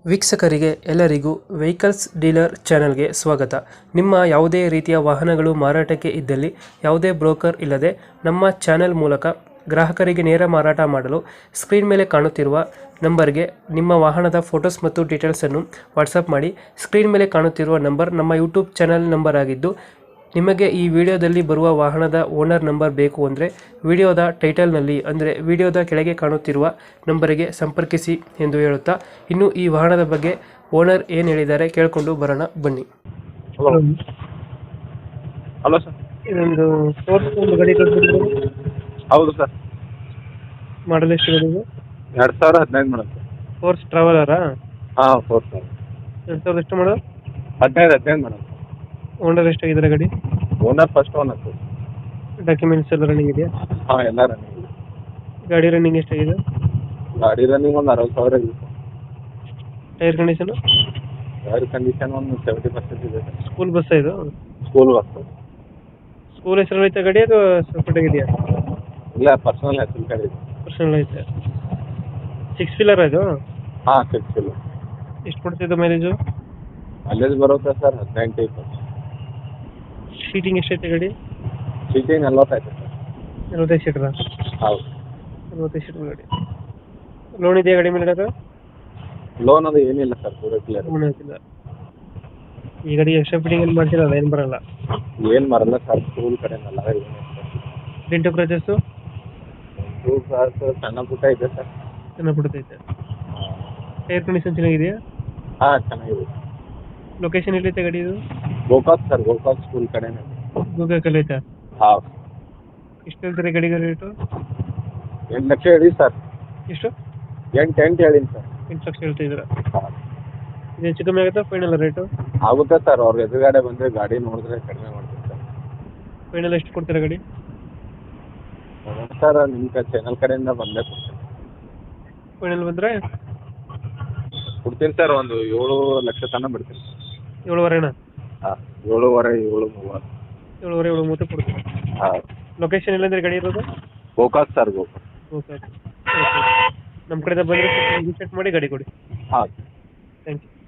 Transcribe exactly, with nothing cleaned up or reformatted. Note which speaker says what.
Speaker 1: ವೀಕ್ಷಕರಿಗೆ ಎಲ್ಲರಿಗೂ vehicles dealer ಚಾನೆಲ್ಗೆ ಸ್ವಾಗತ. ನಿಮ್ಮ ಯಾವುದೇ ರೀತಿಯ ವಾಹನಗಳು ಮಾರಾಟಕ್ಕೆ ಇದ್ದಲ್ಲಿ ಯಾವುದೇ ಬ್ರೋಕರ್ ಇಲ್ಲದೆ ನಮ್ಮ ಚಾನೆಲ್ ಮೂಲಕ ಗ್ರಾಹಕರಿಗೆ ನೇರ ಮಾರಾಟ ಮಾಡಲು ಸ್ಕ್ರೀನ್ ಮೇಲೆ ಕಾಣುತ್ತಿರುವ ನಂಬರ್ಗೆ ನಿಮ್ಮ ವಾಹನದ ಫೋಟೋಸ್ ಮತ್ತು ಡೀಟೇಲ್ಸನ್ನು ವಾಟ್ಸಪ್ ಮಾಡಿ. ಸ್ಕ್ರೀನ್ ಮೇಲೆ ಕಾಣುತ್ತಿರುವ ನಂಬರ್ ನಮ್ಮ ಯೂಟ್ಯೂಬ್ ಚಾನೆಲ್ ನಂಬರ್ ಆಗಿದ್ದು, ನಿಮಗೆ ಈ ವಿಡಿಯೋದಲ್ಲಿ ಬರುವ ವಾಹನದ ಓನರ್ ನಂಬರ್ ಬೇಕು ಅಂದರೆ ವಿಡಿಯೋದ ಟೈಟಲ್ನಲ್ಲಿ ಅಂದರೆ ವಿಡಿಯೋದ ಕೆಳಗೆ ಕಾಣುತ್ತಿರುವ ನಂಬರಿಗೆ ಸಂಪರ್ಕಿಸಿ ಎಂದು ಹೇಳುತ್ತಾ, ಇನ್ನು ಈ ವಾಹನದ ಬಗ್ಗೆ ಓನರ್ ಏನು ಹೇಳಿದ್ದಾರೆ ಕೇಳಿಕೊಂಡು ಬರೋಣ ಬನ್ನಿ.
Speaker 2: Hello hello sir.
Speaker 1: ಇದೊಂದು ಫೋರ್ಸ್ ಒಂದು ಗಾಡಿ ಕಳಿಸಿದ್ರು,
Speaker 2: ಹೌದು ಸರ್.
Speaker 1: ಮಾಡಲ್ ಎಷ್ಟು ಗಾಡಿಗೆ?
Speaker 2: ಎರಡು ಸಾವಿರ ಹದಿನೈದು ಮೇಡಮ್ ಸರ್.
Speaker 1: ಫೋರ್ಸ್ ಟ್ರಾವೆಲರಾ?
Speaker 2: ಹಾಂ ಫೋರ್ ಸರ್.
Speaker 1: ಎರಡು ಸಾವಿರದ ಎಷ್ಟು ಮಾಡೋದು?
Speaker 2: ಹದಿನೈದು ಹದಿನೈದು ಮೇಡಮ್.
Speaker 1: ಓನರ್ ಎಷ್ಟಾಗಿದ್ದಾರೆ ಗಾಡಿ?
Speaker 2: Owner first owner sir.
Speaker 1: Documents ಎಲ್ಲ ರನ್ನಿಂಗ್ ಇದೆಯಾ?
Speaker 2: ಹಾಂ ಎಲ್ಲ ರನ್ನಿಂಗ್.
Speaker 1: ಗಾಡಿ ರನ್ನಿಂಗ್ ಎಷ್ಟಾಗಿದೆ?
Speaker 2: ಗಾಡಿ ರನ್ನಿಂಗ್ ಒಂದು ಅರವತ್ತು ಸಾವಿರ ಇದೆ ಸರ್.
Speaker 1: Tyre condition?
Speaker 2: ಗಾಡಿ ಕಂಡೀಷನ್ ಒಂದು ಸೆವೆಂಟಿ ಪರ್ಸೆಂಟ್ ಇದೆ ಸರ್.
Speaker 1: ಸ್ಕೂಲ್ ಬಸ್ ಇದು?
Speaker 2: School bus sir.
Speaker 1: ಸ್ಕೂಲ್ ಹೆಸರು ಐತೆ ಗಾಡಿ ಅದು ಸಪ್ರೇಟ್ ಆಗಿದೆಯಾ?
Speaker 2: ಇಲ್ಲ, ಪರ್ಸನಲ್ ಹೆಸರು ಗಾಡಿ ಇದೆ.
Speaker 1: ಪರ್ಸನಲ್ ಐತೆ. ಸಿಕ್ಸ್ ವೀಲರ್ ಇದು?
Speaker 2: ಹಾಂ ಸಿಕ್ಸ್ ಇಲ್ಲ.
Speaker 1: ಎಷ್ಟು ಕೊಡ್ತಿದ್ದು ಮೈಲೇಜು?
Speaker 2: ಮೈಲೇಜ್ ಬರುತ್ತೆ ಸರ್ ಹದಿನೆಂಟು ಇಪ್ಪತ್ತು.
Speaker 1: ಸೀಟಿಂಗ್ ಎಷ್ಟೈತೆ ಗಾಡಿ?
Speaker 2: ಸೀಟಿಂಗ್ ನಲ್ವತ್ತೈತೆ ಸರ್.
Speaker 1: ನಲ್ವತ್ತೈದು ಸೀಟರ?
Speaker 2: ಹೌದು.
Speaker 1: ನಲ್ವತ್ತೈದು ಸೀಟರ್ ಗಾಡಿ. ಲೋನ್ ಇದೆಯಾ ಗಾಡಿ ಮೇಲೆ? ಅದು
Speaker 2: ಲೋನ್ ಅದು ಏನಿಲ್ಲ ಸರ್, ಪೂರ ಕ್ಲಿಯರ್.
Speaker 1: ಲೋನ್ ಹಾಕಿಲ್ಲ. ಈ ಗಾಡಿ ಎಕ್ಸ್ಟ್ರಾ ಫಿಟ್ಟಿಂಗ್ ಏನು ಮಾಡ್ಸಿಲ್ಲ, ಏನು ಬರಲ್ಲ?
Speaker 2: ಏನು ಬರಲ್ಲ ಸರ್, ಸ್ಕೂಲ್ ಕಡೆನಲ್ಲ ಏನು
Speaker 1: ಡೆಂಟು ಕ್ರಚಸ್ಸು?
Speaker 2: ಸ್ಕೂಲ್ ಸರ್ ಸಣ್ಣ ಪುಟ್ಟ ಇದೆ ಸರ್.
Speaker 1: ಚೆನ್ನಾಗಿ ಬಿಡ್ತೈತೆ. ಟೈರ್ ಕಂಡೀಷನ್ ಚೆನ್ನಾಗಿದೆಯಾ?
Speaker 2: ಹಾಂ ಚೆನ್ನಾಗಿದೆ.
Speaker 1: ಲೊಕೇಶನ್ ಎಲ್ಲೈತೆ ಗಾಡಿ ಇದು?
Speaker 2: ಗೋಕಾಕ್ ಸರ್, ಗೋಕಾಕ್ ಸ್ಕೂಲ್ ಕಡೆನೇ.
Speaker 1: ಗೋಕಾಕಲ್ಲಿ ಐತೆ?
Speaker 2: ಹಾಂ.
Speaker 1: ಎಷ್ಟು ಹೇಳ್ತಾರೆ ಗಾಡಿಗೆ ರೇಟು?
Speaker 2: ಎಂಟು ಲಕ್ಷ ಹೇಳಿ ಸರ್.
Speaker 1: ಎಷ್ಟು?
Speaker 2: ಎಂಟು ಎಂಟು ಹೇಳೀನಿ ಸರ್.
Speaker 1: ಎಂಟು ಲಕ್ಷ ಹೇಳ್ತಾ ಇದ್ದೀರಾ?
Speaker 2: ಹಾಂ.
Speaker 1: ಇದು ಹೆಚ್ಚು ಕಮ್ಮಿ ಆಗುತ್ತಾ ಫೈನಲ್ ರೇಟು?
Speaker 2: ಆಗುತ್ತೆ ಸರ್, ಅವ್ರ ಎದುರುಗಡೆ ಬಂದರೆ ಗಾಡಿ ನೋಡಿದ್ರೆ ಕಡಿಮೆ ಮಾಡ್ತೀನಿ ಸರ್.
Speaker 1: ಫೈನಲ್ ಎಷ್ಟು ಕೊಡ್ತೀರಾ ಗಾಡಿ?
Speaker 2: ಸರ್ ನಿಮ್ಮ ಕ ಚಾನಲ್ ಕಡೆಯಿಂದ ಬಂದೇ ಕೊಡ್ತೀನಿ.
Speaker 1: ಫೈನಲ್ ಬಂದರೆ
Speaker 2: ಕೊಡ್ತೀನಿ ಸರ್, ಒಂದು ಏಳು ಲಕ್ಷ ತನಕ ಬಿಡ್ತೀನಿ.
Speaker 1: ಏಳುವರೆನಾ?
Speaker 2: ಹಾಂ, ಏಳುವರೆ ಏಳು ಮೂವತ್ತು.
Speaker 1: ಏಳುವರೆ ಏಳು ಮೂವತ್ತು ಕೊಡ್ತೀನಿ.
Speaker 2: ಹಾಂ.
Speaker 1: ಲೊಕೇಶನ್ ಎಲ್ಲಂದ್ರೆ ಗಾಡಿ ಇರೋದು?
Speaker 2: Gokak sir, Gokak.
Speaker 1: Okay okay. ನಮ್ಮ ಕಡೆಯಿಂದ ಬಂದರೆ ವಿಸಿಟ್ ಮಾಡಿ ಗಾಡಿ ಕೊಡಿ.
Speaker 2: ಹಾಂ.
Speaker 1: Thank you.